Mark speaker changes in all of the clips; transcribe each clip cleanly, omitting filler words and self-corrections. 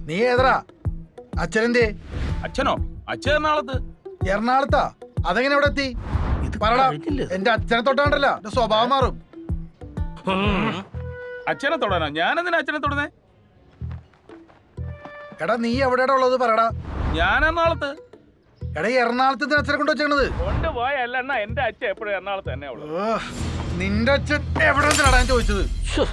Speaker 1: നീ ഏതറാ? അച്ഛനെന്തേ?
Speaker 2: അച്ഛനോ? അച്ഛൻ എറണാകുളത്ത്.
Speaker 1: എറണാകുളത്താ? അതെങ്ങനെ ഇവിടെ എത്തി? പറടാ. എന്റെ അച്ഛനെ തൊട്ടാണ്ടല്ല എന്റെ സ്വഭാവം മാറും.
Speaker 2: അച്ഛനെ തൊടാനോ? ഞാനെന്തിനാ അച്ഛനെ തൊടുന്നേ?
Speaker 1: എടാ നീ എവിടെയാ ഉള്ളത് പറടാ.
Speaker 2: ഞാൻ എറണാകുളത്ത്.
Speaker 1: എടാ എറണാകുളത്ത് അച്ഛനെ കൊണ്ട് വെച്ചേക്കണത്?
Speaker 2: കൊണ്ടുപോയല്ല എന്നാ, എന്റെ അച്ഛൻ എപ്പോഴും എറണാകുളത്ത് തന്നെ ഉള്ളു.
Speaker 1: നിന്റെ അച്ഛൻ എവിടെ ഞാൻ ചോദിച്ചത്.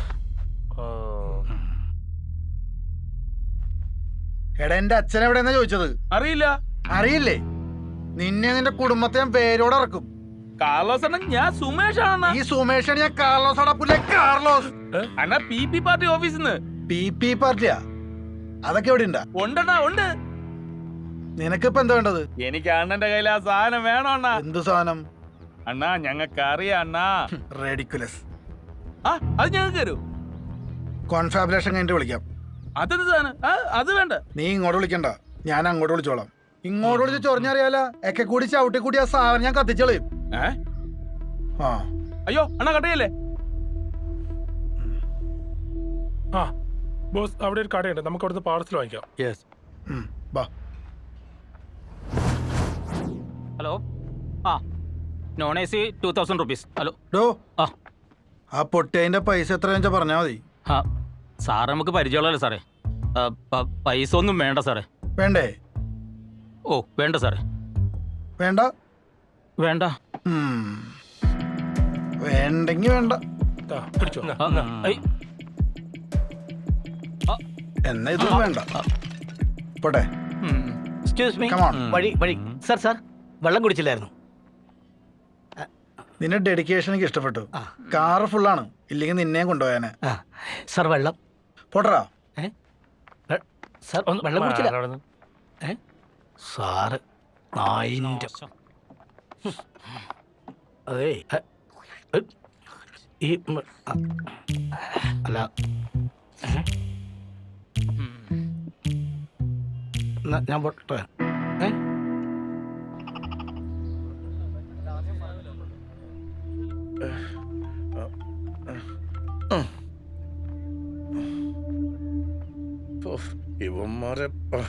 Speaker 1: എടാ എന്റെ അച്ഛൻ എവിടെയെന്നാ ചോദിച്ചത്?
Speaker 2: അറിയില്ല.
Speaker 1: അറിയില്ലേ? നിന്നെ നിന്റെ കുടുംബത്തെ ഞാൻ പേരോടെ ഇറക്കും.
Speaker 2: കാർലോസ് അണ്ണൻ, ഞാൻ സുമേഷ് ആണ്.
Speaker 1: ഈ സുമേഷാണ് ഞാൻ. കാർലോസ് അടപ്പില്ലേ? കാർലോസ്
Speaker 2: അണ്ണാ PP പാർട്ടി ഓഫീസിന്ന്.
Speaker 1: PP പാർട്ടിയാ? അതൊക്കെ എവിടെ ഉണ്ടാ?
Speaker 2: ഉണ്ടണ്ണാ, ഉണ്ട്.
Speaker 1: നിനക്കിപ്പോ എന്താ വേണ്ടത്?
Speaker 2: എനിക്ക് അണ്ണന്റെ കയ്യിൽ ആ സാധനം വേണം അണ്ണാ.
Speaker 1: എന്ത് സാധനം?
Speaker 2: അണ്ണാ ഞങ്ങൾക്ക് അറിയാം അണ്ണാ.
Speaker 1: റേഡിക്കുലസ്.
Speaker 2: ആ അത് ഞങ്ങൾക്ക് തരൂ.
Speaker 1: കോൺഫാബുലേഷൻ കഴിഞ്ഞിട്ട് വിളിക്കാം.
Speaker 2: അതെന്ത് സാധനം? അത് വേണ്ട.
Speaker 1: നീ ഇങ്ങോട്ട് വിളിക്കണ്ട, ഞാൻ അങ്ങോട്ട് വിളിച്ചോളാം. ഇങ്ങോട്ട് വിളിച്ച് ചൊറിഞ്ഞറിയാല ഒക്കെ കൂടി ചവിട്ടി കൂടി ആ സാധനം ഞാൻ കത്തിച്ചോളയും.
Speaker 2: അയ്യോ അണ്ണാ കട്ടയല്ലേ.
Speaker 3: ആ ബോസ്, അവിടെ ഒരു കടയുണ്ട്, നമുക്ക് അവിടുന്ന് പാർസൽ വാങ്ങിക്കാം.
Speaker 4: ഹലോ. ആ നോൺ AC 2000 rupees. ഹലോ.
Speaker 1: ആ പൊട്ടിയതിന്റെ പൈസ എത്ര വെച്ചാൽ പറഞ്ഞാൽ മതി.
Speaker 4: ആ സാറ് നമുക്ക് പരിചയമുള്ളല്ലോ സാറേ. പൈസ ഒന്നും വേണ്ട സാറേ.
Speaker 1: വേണ്ടേ?
Speaker 4: ഓ വേണ്ട സാറേ.
Speaker 1: വേണ്ട?
Speaker 4: വേണ്ട.
Speaker 1: വേണ്ടെങ്കി വേണ്ട.
Speaker 3: പിടിച്ചോ.
Speaker 1: എന്നാ ഇത് വേണ്ട. പോട്ടെ.
Speaker 5: എക്സ്ക്യൂസ് മീ, വഴി വഴി. സാർ വെള്ളം കുടിച്ചില്ലായിരുന്നു?
Speaker 1: നിന്റെ ഡെഡിക്കേഷൻ എനിക്ക് ഇഷ്ടപ്പെട്ടു. കാറ് ഫുള്ളാണ്, ഇല്ലെങ്കിൽ നിന്നെയും കൊണ്ടുപോയാനെ.
Speaker 5: സാർ വെള്ളം.
Speaker 1: പോട്ടറാ.
Speaker 5: സാർ വെള്ളം കുടിച്ചില്ല? സാറ് നായിൻ്റെ. അതേ ഈ അല്ല ഞാൻ പോട്ടെ.
Speaker 6: ഇവന്മാരെ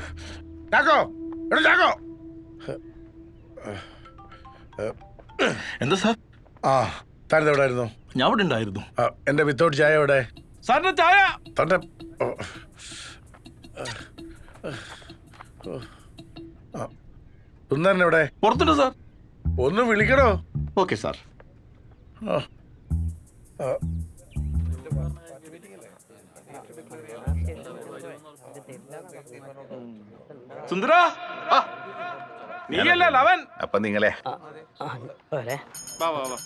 Speaker 7: എന്താ സാർ?
Speaker 6: ആ താൻ എവിടെ ആയിരുന്നു?
Speaker 7: ഞാൻ ഇവിടെ ഉണ്ടായിരുന്നു.
Speaker 6: എന്റെ വിത്തൗട്ട് ചായ എവിടെ?
Speaker 2: സാറിന്റെ ചായ.
Speaker 6: തന്റെ സുന്ദരൻ എവിടെ?
Speaker 7: പുറത്തുണ്ട് സാർ.
Speaker 6: ഒന്ന് വിളിക്കണോ?
Speaker 7: Okay sir.
Speaker 2: സുന്ദര, നീയല്ലേ ലവൻ?
Speaker 7: അപ്പൊ നിങ്ങളെ
Speaker 2: വാ വാ വാ.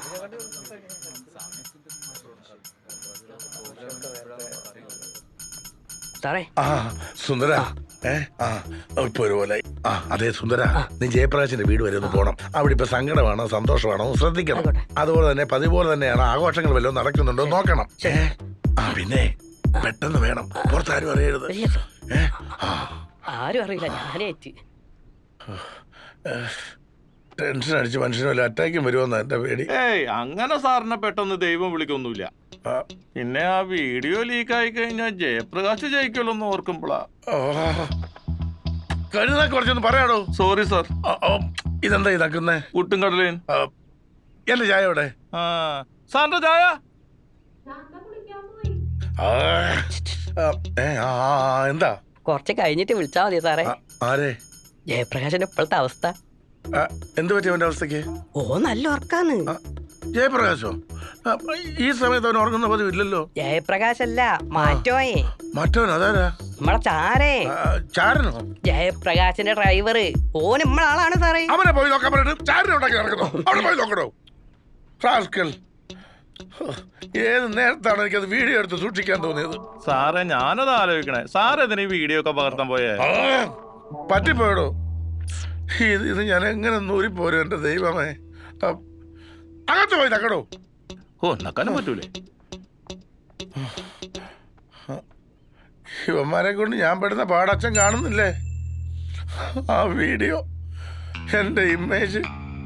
Speaker 5: സാറേ.
Speaker 6: സുന്ദര, ഇപ്പൊ ഒരുപോലെ. അതെ സുന്ദര, നീ ജയപ്രകാശിന്റെ വീട് വരെ ഒന്ന് പോണം. അവിടെ ഇപ്പൊ സങ്കടമാണോ സന്തോഷമാണോ ശ്രദ്ധിക്കണം. അതുപോലെ തന്നെ പതിപോലെ തന്നെയാണ് ആഘോഷങ്ങൾ വല്ലതും നടക്കുന്നുണ്ടോ നോക്കണം. പിന്നെ പെട്ടെന്ന് വേണം, പുറത്താരും അറിയരുത്.
Speaker 5: ആരും അറിയില്ല, ഞാനേറ്റ്.
Speaker 6: ടെൻഷൻ അടിച്ച് മനുഷ്യനല്ല അറ്റാക്കും വരുമെന്ന എന്റെ പേടി.
Speaker 7: അങ്ങനെ സാറിനെ പെട്ടെന്ന് ദൈവം വിളിക്കൊന്നുമില്ല. പിന്നെ ആ വീഡിയോ ലീക്ക് ആയി കഴിഞ്ഞാൽ ജയപ്രകാശ് ജയിക്കുമല്ലോ എന്ന് ഓർക്കുമ്പോളാ.
Speaker 6: കഴുതാ കുറച്ചൊന്ന് പറയാടോ.
Speaker 7: Sorry sir.
Speaker 6: ഇതെന്താ ഇതാക്കുന്നേ?
Speaker 7: പുട്ടും കടലേൻ.
Speaker 6: എന്റെ ചായ എവിടെ?
Speaker 7: സാറിന്റെ ചായ
Speaker 6: എന്താ?
Speaker 5: കുറച്ച് കഴിഞ്ഞിട്ട് വിളിച്ചാ മതി സാറേ.
Speaker 6: ആരെ?
Speaker 5: ജയപ്രകാശിന്റെ ഇപ്പോഴത്തെ അവസ്ഥ
Speaker 6: എന്ത് പറ്റി അവന്റെ അവസ്ഥക്ക്?
Speaker 5: ഓ നല്ല ഉറക്കാന്ന്.
Speaker 6: ജയപ്രകാശോ? ഈ സമയത്ത് അവൻ ഉറങ്ങുന്ന പതിവില്ലല്ലോ.
Speaker 5: ജയപ്രകാശല്ല, മാറ്റോയെ.
Speaker 6: മറ്റവൻ അതാരാ?
Speaker 5: നമ്മളെ ചാരേ.
Speaker 6: ചാരനോ?
Speaker 5: ജയപ്രകാശിന്റെ ഡ്രൈവർ. ഓൻ നമ്മളെ ആളാണ് സാറേ.
Speaker 6: അവനെ പോയി നോക്കാൻ പറഞ്ഞിട്ട് ചാരനെ ഉണ്ടാക്കി നടക്കുന്നോ? അവിടെ പോയി നോക്കണോ? റാസ്കൽ. ഏത് നേരത്താണ് എനിക്കത് വീഡിയോ എടുത്ത് സൂക്ഷിക്കാൻ തോന്നിയത്?
Speaker 7: സാറേ ഞാനത് ആലോചിക്കണേ. സാർ ഇതിന് ഈ വീഡിയോ ഒക്കെ പകർത്താൻ പോയേ?
Speaker 6: പറ്റിപ്പോയടോ. ഇത് ഞാൻ എങ്ങനെ നൂരിപ്പോരും എന്റെ ദൈവമേ. അകത്ത് പോയി നക്കടോ.
Speaker 7: ഓ നക്കാനും പറ്റൂലേ?
Speaker 6: ഇവന്മാരെ കൊണ്ട് ഞാൻ പെടുന്ന പാടച്ഛൻ കാണുന്നില്ലേ? ആ വീഡിയോ, എന്റെ ഇമേജ്.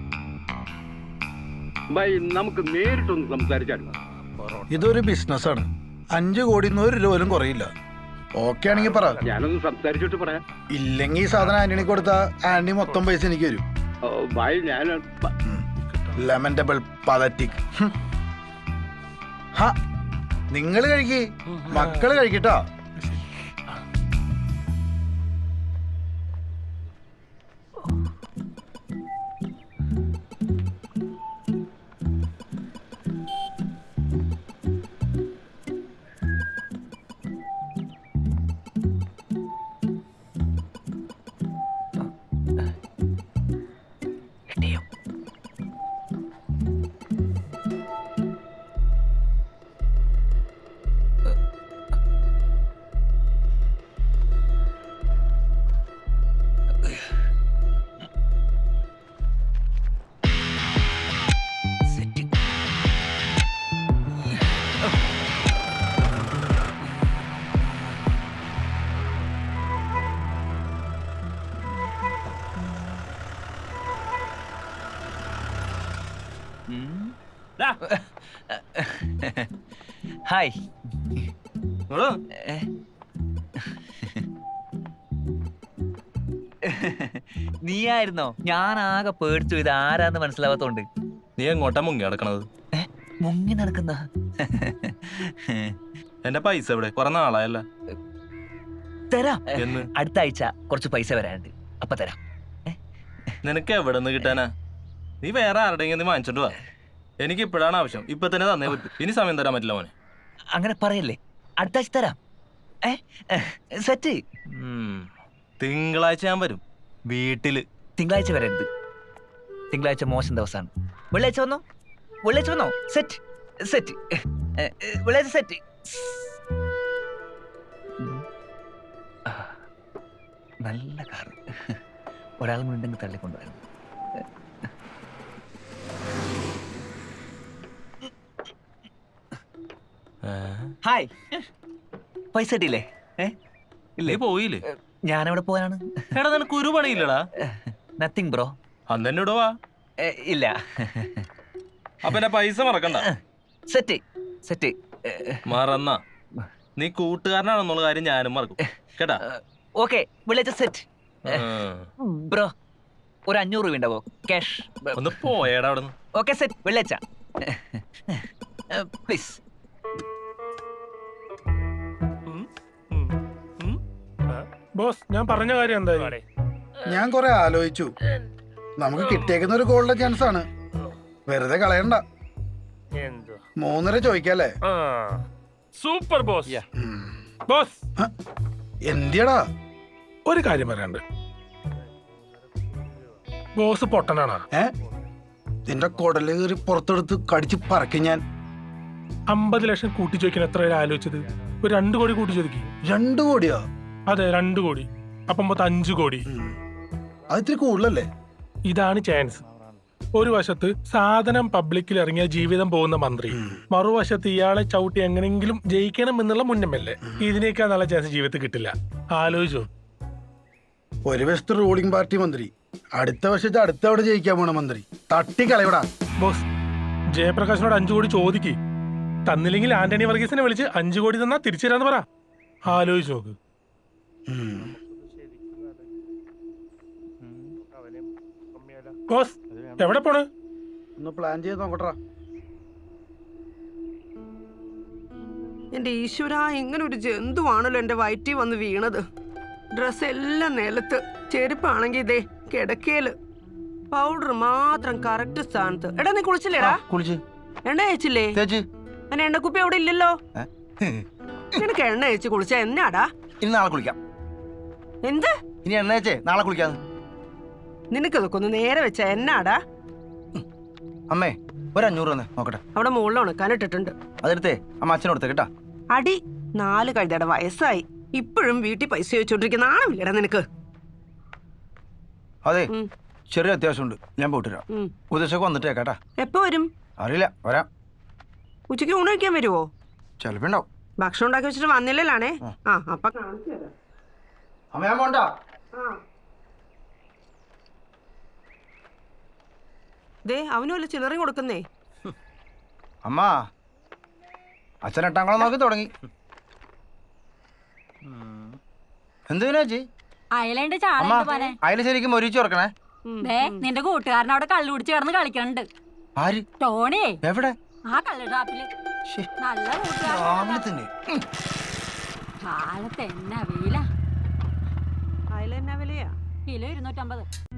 Speaker 8: നമുക്ക് നേരിട്ടൊന്ന് സംസാരിച്ചാൽ.
Speaker 1: ഇതൊരു ബിസിനസ്സാണ്. 5 കോടി 1 രൂപ പോലും കുറയില്ല. ഓക്കെ ആണെങ്കിൽ പറ.
Speaker 8: ഞാനൊന്ന് സംസാരിച്ചിട്ട് പറയാം.
Speaker 1: ഇല്ലെങ്കിൽ ഈ സാധനം ആന്റണി കൊടുത്ത ആന്റണി മൊത്തം പൈസ എനിക്ക് വരും.
Speaker 8: ഭായ് ഞാൻ
Speaker 1: ലെമൻഡബിൾ പതറ്റിക്. ഹാ, നിങ്ങൾ കഴിക്കേ, മക്കള് കഴിക്കട്ടോ.
Speaker 5: ഹായ്. നീയായിരുന്നോ? ഞാൻ ആകെ പേടിച്ചു. ഇത് ആരാന്ന് മനസ്സിലാവാത്തോണ്ട്.
Speaker 2: നീ എങ്ങോട്ടാ മുങ്ങി നടക്കണത്?
Speaker 5: മുങ്ങി നടക്കുന്ന
Speaker 2: എന്റെ പൈസ എവിടെ? കുറെ നാളായല്ല.
Speaker 5: തരാം.
Speaker 2: എന്ന്?
Speaker 5: അടുത്ത ആഴ്ച കുറച്ച് പൈസ വരാനുണ്ട്, അപ്പൊ തരാം.
Speaker 2: നിനക്ക് എവിടെ നിന്ന് കിട്ടാനാ? നീ വേറെ ആരുടെയെങ്കിലും നീ വാങ്ങിച്ചോണ്ട് വാ. എനിക്ക് ഇപ്പോഴാണ് ആവശ്യം. ഇപ്പൊ തന്നെ തന്നേ പറ്റും. ഇനി സമയം തരാൻ പറ്റില്ല മോനെ.
Speaker 5: അങ്ങനെ പറയല്ലേ, അടുത്ത ആഴ്ച തരാം. സെറ്റ്.
Speaker 2: തിങ്കളാഴ്ച ഞാൻ വരും വീട്ടില്.
Speaker 5: തിങ്കളാഴ്ച വരരുത്. തിങ്കളാഴ്ച മോശം ദിവസമാണ്. വെള്ളിയാഴ്ച വന്നോ? വെള്ളിയാഴ്ച വന്നോ? Set set. വെള്ളിയാഴ്ച സെറ്റ്. നല്ല കാർ. ഒരാൾ മുണ്ടെങ്കിൽ തള്ളിക്കൊണ്ടുവരണം. ഹായ്. പൈസ കിട്ടിയില്ലേ?
Speaker 2: ഇല്ലേ? പോയില്ലേ?
Speaker 5: ഞാനെവിടെ പോയാണ്?
Speaker 2: എടാ നിനക്ക് ഒരു പണിയില്ലടാ.
Speaker 5: Nothing bro.
Speaker 2: അന്ന് തന്നെ ഇടുവാ.
Speaker 5: ഇല്ല.
Speaker 2: അപ്പൊ എന്റെ പൈസ മറക്കണ്ട.
Speaker 5: Set set.
Speaker 2: മറന്നാ നീ കൂട്ടുകാരനാണെന്നുള്ള കാര്യം ഞാനും മറക്കും കേട്ടാ.
Speaker 5: ഓക്കെ, വെള്ളിയാഴ്ച സെറ്റ്. ബ്രോ ഒരു 500 രൂപ ഉണ്ടാവോ? ക്യാഷ്.
Speaker 2: ഒന്ന് പോയേടാ അവിടെ നിന്ന്.
Speaker 5: ഓക്കെ സെറ്റ്, വെള്ളിയാഴ്ച പ്ലീസ്.
Speaker 3: ബോസ്, ഞാൻ പറഞ്ഞ കാര്യം എന്തായി?
Speaker 1: ഞാൻ കുറെ ആലോചിച്ചു. നമുക്ക് കിട്ടിയേക്കുന്ന ഒരു ഗോൾഡൻ ചാൻസ് ആണ്, വെറുതെ കളയണ്ട. 3.5 ചോദിക്കല്ലേ?
Speaker 3: Super boss. ബോസ്,
Speaker 1: എന്തിയടാ?
Speaker 3: ഒരു കാര്യം പറയാണ്ട്. ബോസ് പൊട്ടനാണ്.
Speaker 1: നിന്റെ കുടല് കയറി പുറത്തെടുത്ത് കടിച്ച് പറക്കും ഞാൻ.
Speaker 3: 50 ലക്ഷം കൂട്ടി ചോദിക്കാൻ എത്ര പേര് ആലോചിച്ചത്? ഒരു 2 കോടി കൂട്ടി ചോദിക്കും.
Speaker 1: 2 കോടിയോ?
Speaker 3: അതെ, 2 കോടി. അപ്പം മൊത്തം 5 കോടി.
Speaker 1: അത് ഇത്തിരി കൂടുതലല്ലേ?
Speaker 3: ഇതാണ് ചാൻസ്. ഒരു വശത്ത് സാധനം പബ്ലിക്കിൽ ഇറങ്ങിയ ജീവിതം പോകുന്ന മന്ത്രി, മറുവശത്ത് ഇയാളെ ചവിട്ടി എങ്ങനെങ്കിലും ജയിക്കണം എന്നുള്ള മുന്നമല്ലേ. ഇതിനേക്കാൾ നല്ല ചാൻസ് ജീവിതത്തിൽ കിട്ടില്ല. ആലോചിച്ചോ.
Speaker 1: ഒരു വശത്ത് റൂളിംഗ് പാർട്ടി മന്ത്രി, അടുത്ത വശത്ത് അടുത്തവിടെ ജയിക്കാൻ പോണ മന്ത്രി. തട്ടിക്കളയടാ.
Speaker 3: ബോസ്, ജയപ്രകാശിനോട് 5 കോടി ചോദിക്ക്. തന്നില്ലെങ്കിൽ ആന്റണി വർഗീസിനെ വിളിച്ച് 5 കോടി തന്നാ തിരിച്ചു തരാന്ന് പറ. ആലോചിച്ച് നോക്ക്. ബോസ്, എവിടെ പോണ്?
Speaker 1: ഒന്ന് പ്ലാൻ ചെയ്ത് നോക്കട്ടാ.
Speaker 9: എന്റെ ഈശ്വര, ഇങ്ങനെ ഒരു ജന്തുവാണല്ലോ എന്റെ വയറ്റിൽ വന്ന് വീണത്. ഡ്രസ് എല്ലാം നിലത്ത്, ചെരുപ്പാണെങ്കിൽ ഇതേ കിടക്കയില്, പൗഡർ മാത്രം കറക്റ്റ് സ്ഥാനത്ത്. എടാ നീ കുളിച്ചില്ലേടാ?
Speaker 5: കുളിച്ച്.
Speaker 9: എണ്ണ തേച്ചില്ലേ? എന്നെ എണ്ണക്കുപ്പി അവിടെ ഇല്ലല്ലോ. നിനക്ക് എണ്ണ തേച്ച് കുളിച്ച എന്നാടാ?
Speaker 5: ഇനി നാളെ കുളിക്കാം.
Speaker 9: എന്ത്?
Speaker 5: ഇനി എണ്ണ തേച്ചേ നാളെ കുളിക്കാന്ന്.
Speaker 9: നിനക്ക് ഇതൊക്കെ ഒന്ന് നേരെ വെച്ച എന്നാടാ?
Speaker 5: അമ്മേ, ഒരു 500 തന്നെ നോക്കട്ടെ.
Speaker 9: അവിടെ മുകളിൽ ഉണക്കാനിട്ടിട്ടുണ്ട്,
Speaker 5: അതെടുത്തേ അമ്മ അച്ഛനോടുത്തേ കേട്ടാ.
Speaker 9: അടി 4 കഴുതയുടെ വയസ്സായി, ഇപ്പോഴും വീട്ടിൽ പൈസ ചോദിച്ചോണ്ടിരിക്കുന്ന ആണല്ലേടാ നിനക്ക്?
Speaker 5: അതെ, ചെറിയ അത്യാവശ്യമുണ്ട്, ഞാൻ പോയിട്ട് വരാം. ഉദ്ദേശമൊക്കെ വന്നിട്ടേ കേട്ടാ.
Speaker 9: എപ്പോ വരും?
Speaker 5: അറിയില്ല, വരാം.
Speaker 9: ഉച്ചയ്ക്ക് ഊണ് കഴിക്കാൻ വരുവോ?
Speaker 5: ചിലപ്പോ ഉണ്ടാവും.
Speaker 9: ഭക്ഷണം ഉണ്ടാക്കി വെച്ചിട്ട് വന്നില്ലല്ലാണേ. അപ്പൊ കാണിച്ചു തരാം.
Speaker 5: അമ്മ ഞാൻ പോണ്ട.
Speaker 9: ദേ അവനും വല്ല ചില്ലറയും കൊടുക്കുന്നേ.
Speaker 5: അമ്മ, അച്ഛൻ 8ാം ക്ലാസ് നോക്കി തുടങ്ങി.
Speaker 10: എന്തിനാ ചേച്ചി?
Speaker 11: അയലണ്ട് ചാളയുണ്ട് പോനെ.
Speaker 10: അതിൽ ശരിക്കും മൊരിച്ചു കൊടുക്കണേ.
Speaker 11: ദേ നിന്റെ കൂട്ടുകാരൻ അവിടെ കള്ളു കുടിച്ച് കിടന്ന് കളിക്കണുണ്ട്.
Speaker 10: ആര്?
Speaker 11: ടോണി.
Speaker 10: എവിടെ?
Speaker 11: ആ കള്ളു ഷാപ്പില്. നല്ല കൂട്ടുകാരൻ.
Speaker 10: രാവിലെ തന്നെ.
Speaker 11: കാലത്ത് എന്നാ വെയിലാ.
Speaker 9: അതിലെന്നാ വിലയാ?
Speaker 11: കിലോ 250.